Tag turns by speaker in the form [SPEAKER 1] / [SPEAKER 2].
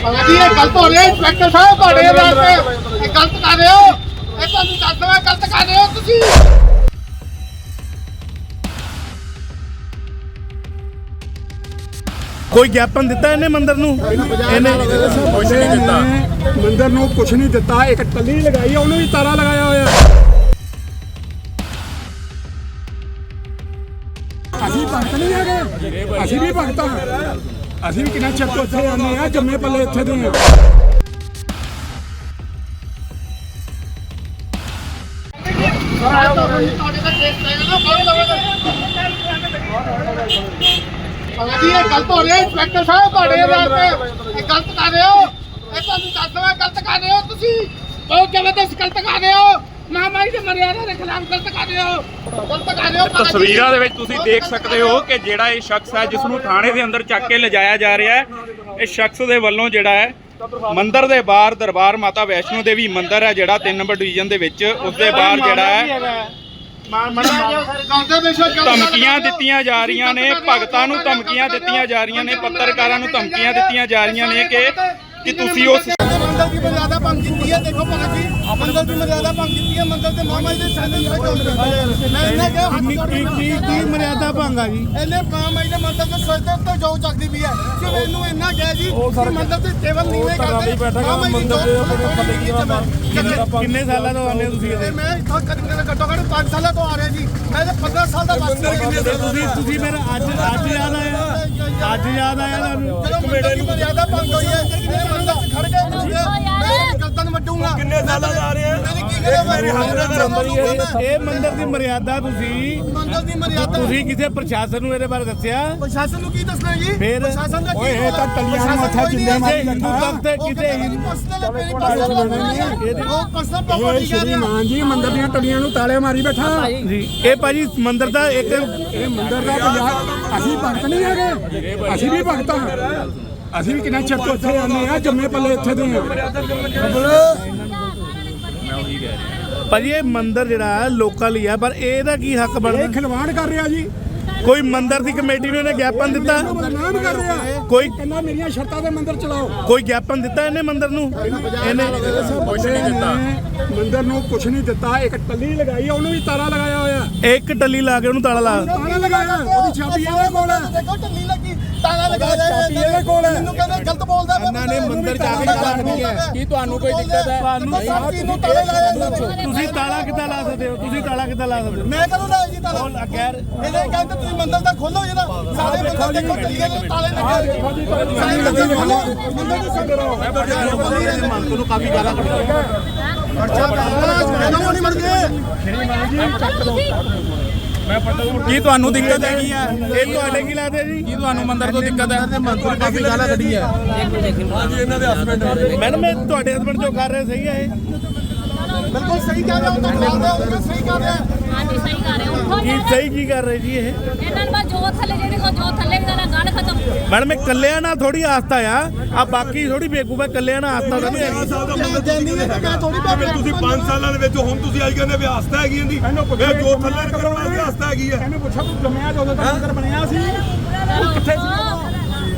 [SPEAKER 1] ਜੀ ਇਹ ਗਲਤ ਹੋ ਰਿਹਾ ਇੰਸਪੈਕਟਰ ਸਾਹਿਬ ਤੁਹਾਡੇ ਵਾਸਤੇ ਇਹ ਗਲਤ ਕਰ ਰਹੇ ਹੋ ਇਹ ਤੁਹਾਨੂੰ ਦੱਸ ਦਵਾਂ ਗਲਤ ਕਰ ਰਹੇ ਹੋ ਤੁਸੀਂ
[SPEAKER 2] ਕੋਈ ਗਿਆਪਨ ਦਿੱਤਾ ਇਹਨੇ ਮੰਦਰ ਨੂੰ ਇਹਨੇ
[SPEAKER 3] ਕੁਛ ਨਹੀਂ ਦਿੱਤਾ ਮੰਦਰ ਨੂੰ ਕੁਛ ਨਹੀਂ ਦਿੱਤਾ ਇੱਕ ਟੱਲੀ ਲਗਾਈ ਉਹਨੂੰ ਵੀ ਤਾਲਾ ਲਗਾਇਆ ਹੋਇਆ ਅਸੀਂ ਭਗਤ ਨਹੀਂ ਹੈਗੇ ਅਸੀਂ ਵੀ ਭਗਤ ਹਾਂ ਅਸੀਂ ਵੀ ਕਿੰਨਾ ਚਿਰ ਤੋਂ ਇੱਥੇ ਆਉਂਦੇ ਆ ਜੰਮੇ ਪੱਲੇ ਇੱਥੇ ਦੇ
[SPEAKER 1] ਜੀ ਇਹ ਗਲਤ ਹੋ ਰਿਹਾ ਇੰਸਪੈਕਟਰ ਸਾਹਿਬ ਤੁਹਾਡੇ ਵਾਸਤੇ ਇਹ ਗਲਤ ਕਰ ਰਹੇ ਹੋ ਇਹ ਤੁਹਾਨੂੰ ਦੱਸ ਦਵਾਂ ਗਲਤ ਕਰ ਰਹੇ ਹੋ ਤੁਸੀਂ ਬਹੁਤ ਜ਼ਬਰਦਸਤ ਗਲਤ ਕਰ ਰਹੇ ਹੋ ਮਹਾਮਾਰੀ ਦੇ ਮਰਿਆਦਾ ਦੇ ਖਿਲਾਫ ਗਲਤ ਕਰ ਰਹੇ ਹੋ
[SPEAKER 4] ਤਸਵੀਰਾਂ ਦੇ ਵਿੱਚ ਤੁਸੀਂ ਦੇਖ ਸਕਦੇ ਹੋ ਕਿ ਜਿਹੜਾ ਇਹ ਸ਼ਖਸ ਹੈ ਜਿਸ ਨੂੰ ਥਾਣੇ ਦੇ ਅੰਦਰ ਚੱਕ ਕੇ ਲਿਜਾਇਆ ਜਾ ਰਿਹਾ ਹੈ ਇਹ ਸ਼ਖਸ ਦੇ ਵੱਲੋਂ ਜਿਹੜਾ ਹੈ ਮੰਦਿਰ ਦੇ ਬਾਹਰ ਦਰਬਾਰ ਮਾਤਾ ਵੈਸ਼ਨੋ ਦੇਵੀ ਮੰਦਿਰ ਹੈ ਜਿਹੜਾ 3 ਨੰਬਰ ਡਿਵੀਜ਼ਨ ਦੇ ਵਿੱਚ ਉਸ ਦੇ ਬਾਹਰ ਜਿਹੜਾ ਹੈ ਧਮਕੀਆਂ ਦਿੱਤੀਆਂ ਜਾ ਰਹੀਆਂ ਨੇ ਭਗਤਾਂ ਨੂੰ ਧਮਕੀਆਂ ਦਿੱਤੀਆਂ ਜਾ ਰਹੀਆਂ ਨੇ ਪੱਤਰਕਾਰਾਂ ਨੂੰ ਧਮਕੀਆਂ ਦਿੱਤੀਆਂ ਜਾ ਰਹੀਆਂ ਨੇ ਕਿ ਤੁਸੀਂ ਉਸ
[SPEAKER 1] ਮੰਦਰ ਦੀ ਮਰਿਆਦਾ ਭੰਗ ਕੀਤੀ ਹੈ ਦੇਖੋ ਭਗਤ ਜੀ ਮੰਦਰ ਦੀ ਮਰਿਆਦਾ ਭੰਗ ਕੀਤੀ ਹੈ ਮੰਦਰ ਤੇ ਮਹਾਮਾਰੀ ਦੇ ਸੈਂਟਰ ਮੈਂ ਇਹਨਾਂ
[SPEAKER 2] ਕੀ ਮਰਿਆਦਾ ਭੰਗਾ ਜੀ
[SPEAKER 1] ਇਹਨੇ ਮਹਾਮਾਰੀ ਦੇ ਮੰਦਰ ਦੇ ਸਿਰ ਦੇ ਉੱਤੇ ਜੋ ਚੱਕਦੀ ਵੀ ਹੈ ਕਿ ਇਹਨੂੰ ਇੰਨਾ ਕਹਿ ਜੀ ਕਿ ਮੰਦਰ ਤੇ ਟੇਬਲ ਨੀਵੇਂ ਕਰਦੇ
[SPEAKER 2] ਕਿੰਨੇ ਸਾਲਾਂ ਤੋਂ ਆਉਂਦੇ ਤੁਸੀਂ
[SPEAKER 1] ਤੇ ਮੈਂ ਇੱਥੋਂ ਘੱਟੋ ਘੱਟ 5 ਸਾਲਾਂ ਤੋਂ ਆ ਰਿਹਾ ਜੀ ਮੈਂ ਤੇ 15 ਸਾਲ ਦਾ ਵਾਸੀ
[SPEAKER 2] ਤੁਸੀਂ ਫਿਰ ਅੱਜ ਯਾਦ ਆਇਆ ਤੁਹਾਨੂੰ
[SPEAKER 1] ਜਦੋਂ ਮੰਦਰ ਦੀ ਮਰਿਆਦਾ ਭੰਗ ਹੋਈ ਹੈ ਖੜ ਕੇ ਮੈਂ ਗਲਤਾਂ ਨੂੰ ਵੱਡੂਗਾ ਕਿੰਨੇ ਸਾਲਾਂ ਦਾ ਆ ਰਹੇ ਆ
[SPEAKER 2] ਇਹ ਮੰਦਿਰ ਦੀ ਮਰਿਆਦਾ
[SPEAKER 1] ਮੰਦਰ ਦੀ ਮਰਿਆਦਾ
[SPEAKER 2] ਤੁਸੀਂ ਕਿਸੇ ਪ੍ਰਸ਼ਾਸਨ ਨੂੰ ਇਹਦੇ ਬਾਰੇ ਦੱਸਿਆ
[SPEAKER 1] ਪ੍ਰਸ਼ਾਸਨ ਨੂੰ ਕੀ ਦੱਸਣਾ ਜੀ
[SPEAKER 2] ਫਿਰ
[SPEAKER 1] ਪ੍ਰਸ਼ਾਸਨ ਦਾ
[SPEAKER 3] ਓਏ ਇਹ ਤਾਂ ਟੱਲੀਆਂ ਨੂੰ ਮੱਥਾ ਚੁੰਦੇ ਮਾਰੀ
[SPEAKER 2] ਹਿੰਦੂ ਭਗਤ ਕਿਸੇ
[SPEAKER 3] ਇਹ ਸ਼੍ਰੀਮਾਨ ਜੀ ਮੰਦਰ ਦੀਆਂ ਟੱਲੀਆਂ ਨੂੰ ਤਾਲੇ ਮਾਰੀ ਬੈਠਾ
[SPEAKER 2] ਜੀ ਇਹ ਭਾਜੀ ਮੰਦਿਰ ਦਾ ਇੱਕ
[SPEAKER 3] ਇਹ ਮੰਦਰ ਦਾ ਪੰਜਾਬ ਅਸੀਂ ਭਗਤ ਨਹੀਂ ਹੈਗੇ ਅਸੀਂ ਵੀ ਭਗਤ ਹਾਂ ਅਸੀਂ ਵੀ ਕਿੰਨਾ ਚਿਰ ਤੋਂ ਇੱਥੇ ਆਉਂਦੇ ਆ ਜੰਮੇ ਪੱਲੇ ਇੱਥੇ ਦੇ
[SPEAKER 2] ਭਾਜੀ ਇਹ ਮੰਦਿਰ ਜਿਹੜਾ ਲੋਕਲ ਹੀ ਆ ਪਰ ਇਹਦਾ ਕੀ ਹੱਕ ਬਣਦਾ
[SPEAKER 3] ਇਹ ਖਿਲਵਾੜ ਕਰ ਰਿਹਾ ਜੀ
[SPEAKER 2] ਕੋਈ ਮੰਦਿਰ ਦੀ ਕਮੇਟੀ ਨੂੰ ਇਹਨੇ ਗਿਆਪਨ ਦਿੱਤਾ
[SPEAKER 3] ਬਦਨਾਮ ਕਰ ਰਿਹਾ
[SPEAKER 2] ਕੋਈ
[SPEAKER 3] ਕਹਿੰਦਾ ਮੇਰੀਆਂ ਸ਼ਰਤਾਂ ਦੇ ਮੰਦਰ ਚਲਾਓ
[SPEAKER 2] ਕੋਈ ਗਿਆਪਨ ਦਿੱਤਾ ਇਹਨੇ ਮੰਦਿਰ ਨੂੰ ਇਹਨੇ
[SPEAKER 3] ਕੁਛ ਨਹੀਂ ਦਿੱਤਾ ਮੰਦਰ ਨੂੰ ਕੁਛ ਨਹੀਂ ਦਿੱਤਾ ਇੱਕ ਟੱਲੀ ਲਗਾਈ ਉਹਨੂੰ ਵੀ ਤਾਲਾ ਲਗਾਇਆ ਹੋਇਆ
[SPEAKER 2] ਇੱਕ ਟੱਲੀ ਲਾ ਕੇ ਉਹਨੂੰ ਤਾਲਾ ਲਾ
[SPEAKER 3] ਤਾਲਾ ਲਗਾਇਆ ਉਹਦੀ ਚਾਬੀ ਇਹਦੇ ਕੋਲ ਹੈ
[SPEAKER 1] ਦੇਖੋ ਢੱਲੀ ਲੱਗੀ ਤਾਲਾ ਲਗਾ ਰਿਹਾ
[SPEAKER 3] ਚਾਬੀ ਇਹਦੇ ਕੋਲ ਹੈ
[SPEAKER 1] ਮੈਨੂੰ ਕਹਿੰਦੇ ਗਲਤ ਬੋਲਦਾ
[SPEAKER 3] ਇਹਨਾਂ ਨੇ ਮੰਦਰ ਜਾ ਕੇ ਰੱਖਣੀ ਹੈ ਕੀ ਤੁਹਾਨੂੰ ਕੋਈ ਦਿੱਕਤ ਹੈ
[SPEAKER 1] ਤੁਹਾਨੂੰ ਤਾਲਾ ਲਾਇਆ
[SPEAKER 2] ਤੁਸੀਂ ਤਾਲਾ ਕਿੱਦਾਂ ਲਾ ਸਕਦੇ ਹੋ ਤੁਸੀਂ ਤਾਲਾ ਕਿੱਦਾਂ ਲਾ ਸਕਦੇ ਹੋ
[SPEAKER 1] ਮੈਂ ਕਦੋਂ ਲਾਇਆ ਜੀ ਤਾਲਾ
[SPEAKER 2] ਖੈਰ
[SPEAKER 1] ਇਹਨੇ ਕਹਿੰਦੇ ਤੁਸੀਂ ਮੰਦਰ ਦਾ ਖੋਲੋ ਜਿਹੜਾ ਸਾਰੇ ਮੰਦਰ ਦੇਖੋ ਢੱਲੀਆਂ ਦੇ ਤਾਲੇ ਲੱਗੇ ਸਾਰੇ ਮੰਦਰ ਖੋਲੋ ਮੰਦਰ ਦੇ ਸੰਦਰ
[SPEAKER 2] ਮੰਤੂ ਨੂੰ ਕਾਫੀ ਗਾਲਾਂ ਕੱਢਦਾ
[SPEAKER 1] ਨਹੀਂ ਮਰ ਗਏ
[SPEAKER 2] ਕੀ ਤੁਹਾਨੂੰ ਦਿੱਕਤ ਹੈਗੀ ਆ ਇਹ ਤੁਹਾਡੇ ਕੀ ਲੱਗਦੇ ਜੀ ਕੀ ਤੁਹਾਨੂੰ ਮੰਦਰ ਤੋਂ ਦਿੱਕਤ ਹੈ ਮੰਤੂ ਨੇ ਕਾਫੀ ਗਾਲਾਂ ਕੱਢੀ ਹੈ
[SPEAKER 3] ਹਾਂਜੀ ਇਹਨਾਂ ਦੇ ਹਸਬੰਡ
[SPEAKER 2] ਮੈਡਮ ਇਹ ਤੁਹਾਡੇ ਹਸਬੰਡ ਜੋ ਕਰ ਰਹੇ ਸਹੀ ਹੈ ਇਹ
[SPEAKER 1] ਬਿਲਕੁਲ ਸਹੀ ਕਹਿ ਰਹੇ ਹੋ ਤਾਂ ਬੋਲਦੇ ਹੋ ਸਹੀ ਕਰ ਰਿਹਾ
[SPEAKER 5] ਹਾਂਜੀ ਸਹੀ ਕਰ ਰਹੇ ਹੋ
[SPEAKER 2] ਕੀ ਸਹੀ ਕੀ ਕਰ ਰਹੇ ਜੀ ਇਹ
[SPEAKER 5] ਇਹਨਾਂ ਨੂੰ ਬਸ ਜੋ ਥੱਲੇ ਜਿਹੜੀ ਕੋ ਜੋ ਥੱਲੇ ਦਾ ਗੱਲ ਖਤਮ
[SPEAKER 2] ਮੈਡਮ ਇਹ ਕੱਲਿਆਂ ਨਾਲ ਥੋੜੀ ਆਸਤਾ ਆ ਬਾਕੀ ਥੋੜੀ ਬੇਕੂਫ ਹੈ ਕੱਲਿਆਂ ਨਾਲ ਆਸਤਾ ਤਾਂ ਨਹੀਂ ਹੈਗੀ
[SPEAKER 6] ਤੁਸੀਂ 5 ਸਾਲਾਂ ਦੇ ਵਿੱਚ ਹੁਣ ਤੁਸੀਂ ਅੱਜ ਕਹਿੰਦੇ ਵੀ ਆਸਥਾ ਹੈਗੀ ਇਹਦੀ ਇਹ ਜੋ ਥੱਲੇ ਕਰਨ ਵਾਲੀ ਆਸਥਾ ਹੈਗੀ ਹੈ
[SPEAKER 3] ਇਹਨੂੰ ਪੁੱਛੋ ਤੂੰ ਜੰਮਿਆ ਜਦੋਂ ਤੱਕ ਮੰਦਰ ਬਣਿਆ ਸੀ ਉਹ ਕਿੱਥੇ ਸੀ